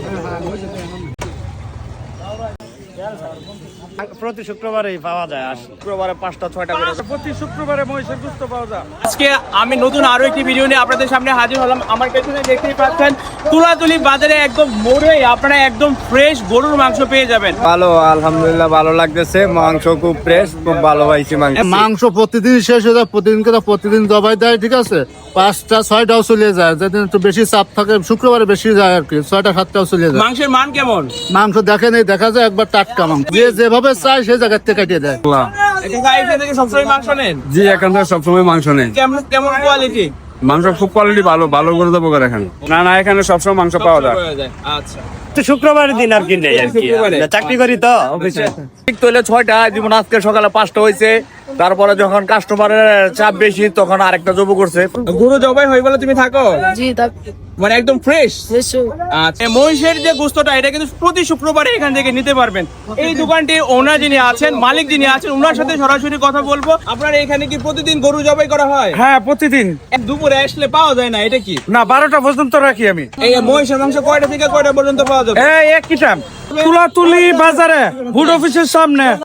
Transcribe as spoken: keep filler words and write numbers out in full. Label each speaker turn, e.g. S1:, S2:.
S1: প্রতি শুক্রবারেই পাওয়া যায়, আর শুক্রবারে পাঁচটা ছয়টা করে
S2: প্রতি শুক্রবারে মহিষের গোশত পাওয়া যায়।
S3: আজকে আমি নতুন আরো একটি ভিডিও নিয়ে আপনাদের সামনে হাজির হলাম। আমার পেছনে দেখতেই পাচ্ছেন তুলাতুলি বাজারে একদম মোড়ে আপনারা একদম ফ্রেশ গরুর মাংস পেয়ে যাবেন।
S4: ভালো, আলহামদুলিল্লাহ ভালো লাগতেছে, মাংস খুব ফ্রেশ, খুব ভালো পাইছি মাংস।
S5: মাংস প্রতিদিন শেষ হয়ে যায়, প্রতিদিন করে প্রতিদিন জবাই দেয়, ঠিক আছে, পাঁচটা ছয়টাও চলে যায়, যেদিন একটু বেশি চাপ থাকে শুক্রবারে বেশি যায় আর কি, ছয়টা সাতটাও চলে যায়।
S3: মাংসের মান কেমন?
S5: মাংস দেখে নেই, দেখা যায় একবার টাটকা মাংস, যে যেভাবে চায় সেই জায়গার থেকে কাটিয়ে দেয়।
S3: এখান থেকে সবসময় মাংস নেন?
S4: জি, এখান থেকে সবসময় মাংস নেই।
S3: কেমন কেমন কোয়ালিটি?
S4: মাংস খুব কোয়ালিটি ভালো, ভালো করে দেবো এখানে। না না, এখানে সবসময় মাংস পাওয়া যায়।
S3: আচ্ছা,
S1: শুক্রবারের দিন আর কি নেই আর কি, আমরা চাকরি করি তো অফিসে।
S4: ঠিক তাহলে ছয়টা, যেমন আজকে সকালে পাঁচটা হয়েছে, তারপরে যখন কাস্টমারের চাপ বেশি তখন আরেকটা জব করছে।
S3: গরু জবাই হয়ে বলে তুমি থাকো?
S6: জি, তা
S3: মানে একদম ফ্রেশ।
S6: ফ্রেশও।
S3: আচ্ছা, মহিষের যে গোস্তটা এটা কিন্তু প্রতি শুক্রবারে এখান থেকে নিতে পারবেন। এই দোকানটির ওনার যিনি আছেন, মালিক যিনি আছেন, ওনার সাথে সরাসরি কথা বলবো। আপনার এখানে কি প্রতিদিন গরু জবাই করা হয়?
S2: হ্যাঁ, প্রতিদিন।
S3: এক দুপুরে আসলে পাওয়া যায় না, এটা কি?
S2: না, বারোটা পর্যন্ত রাখি আমি।
S3: এই মহিষের মাংস কয়টা থেকে কয়টা পর্যন্ত পাওয়া যাবে?
S2: এই একই টাইম তুলাতুলি বাজারে, হুড অফিসের সামনে।